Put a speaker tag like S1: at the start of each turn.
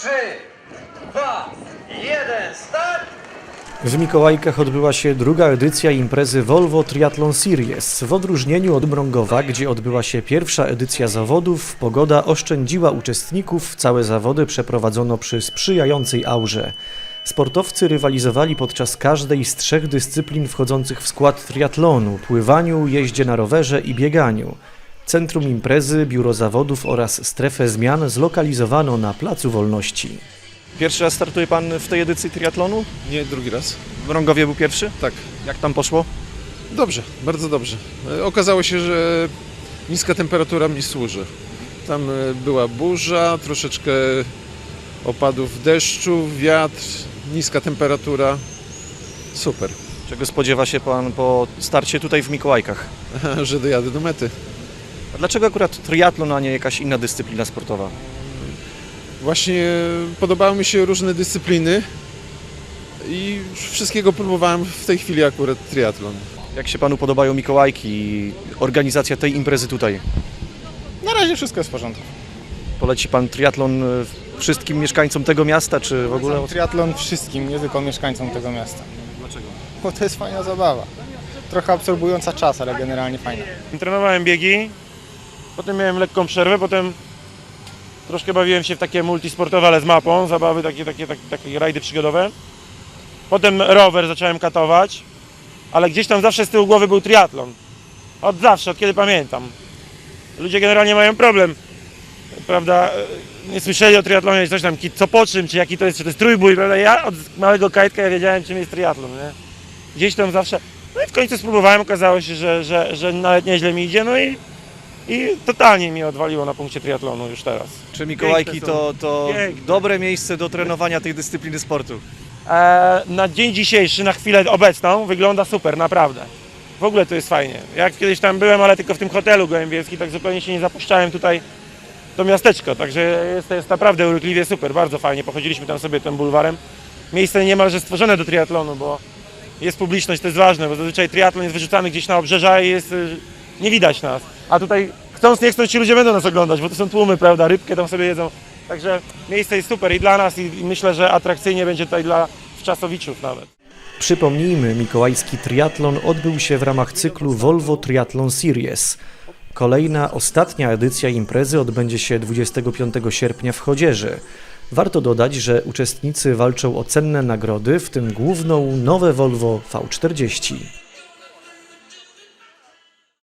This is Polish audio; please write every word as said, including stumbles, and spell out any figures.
S1: trzy, dwa, jeden, start!
S2: W Mikołajkach odbyła się druga edycja imprezy Volvo Triathlon Series. W odróżnieniu od Mrągowa, gdzie odbyła się pierwsza edycja zawodów, pogoda oszczędziła uczestników, całe zawody przeprowadzono przy sprzyjającej aurze. Sportowcy rywalizowali podczas każdej z trzech dyscyplin wchodzących w skład triatlonu – pływaniu, jeździe na rowerze i bieganiu. Centrum imprezy, biuro zawodów oraz strefę zmian zlokalizowano na Placu Wolności.
S3: Pierwszy raz startuje Pan w tej edycji triatlonu?
S4: Nie, drugi raz.
S3: W Mrągowie był pierwszy?
S4: Tak.
S3: Jak tam poszło?
S4: Dobrze, bardzo dobrze. E, Okazało się, że niska temperatura mi służy. Tam e, była burza, troszeczkę opadów deszczu, wiatr, niska temperatura. Super,
S3: Czego spodziewa się Pan po starcie tutaj w Mikołajkach?
S4: że dojadę do mety.
S3: A dlaczego akurat triatlon, a nie jakaś inna dyscyplina sportowa?
S4: Właśnie podobały mi się różne dyscypliny i wszystkiego próbowałem, w tej chwili akurat triatlon.
S3: Jak się Panu podobają Mikołajki i organizacja tej imprezy tutaj?
S5: Na razie wszystko jest w porządku.
S3: Poleci Pan triatlon y, wszystkim mieszkańcom tego miasta, czy w ogóle?
S5: Triatlon wszystkim, nie tylko mieszkańcom tego miasta.
S3: Dlaczego?
S5: Bo to jest fajna zabawa. Trochę absorbująca czas, ale generalnie fajna.
S6: Trenowałem biegi, potem miałem lekką przerwę, potem troszkę bawiłem się w takie multisportowe, ale z mapą, zabawy, takie, takie, takie, takie rajdy przygodowe. Potem rower zacząłem katować, ale gdzieś tam zawsze z tyłu głowy był triatlon. Od zawsze, od kiedy pamiętam. Ludzie generalnie mają problem, prawda, nie słyszeli o triatlonie, coś tam, co po czym, czy jaki to jest, czy to jest trójbój, prawda, ja od małego kajtka ja wiedziałem, czym jest triatlon, nie? Gdzieś tam zawsze, no i w końcu spróbowałem, okazało się, że, że, że nawet nieźle mi idzie, no i I totalnie mi odwaliło na punkcie triatlonu już teraz.
S3: Czy Mikołajki
S6: Piękne są.
S3: to, to
S6: Piękne.
S3: dobre miejsce do trenowania tej dyscypliny sportu?
S6: E, na dzień dzisiejszy, na chwilę obecną, wygląda super, naprawdę. W ogóle to jest fajnie. Jak kiedyś tam byłem, ale tylko w tym hotelu gołębiewskim, tak zupełnie się nie zapuszczałem tutaj to miasteczko, także jest, jest naprawdę urokliwie super, bardzo fajnie. Pochodziliśmy tam sobie tym bulwarem. Miejsce niemalże stworzone do triatlonu, bo jest publiczność, to jest ważne, bo zazwyczaj triatlon jest wyrzucany gdzieś na obrzeża i jest, y, nie widać nas. A tutaj chcąc, nie chcąc, ci ludzie będą nas oglądać, bo to są tłumy, prawda, rybkę tam sobie jedzą. Także miejsce jest super i dla nas i, i myślę, że atrakcyjnie będzie tutaj dla wczasowiczów nawet.
S2: Przypomnijmy, mikołajski triatlon odbył się w ramach cyklu Volvo Triathlon Series. Kolejna, ostatnia edycja imprezy odbędzie się dwudziestego piątego sierpnia w Chodzieży. Warto dodać, że uczestnicy walczą o cenne nagrody, w tym główną nowe Volvo V czterdzieści.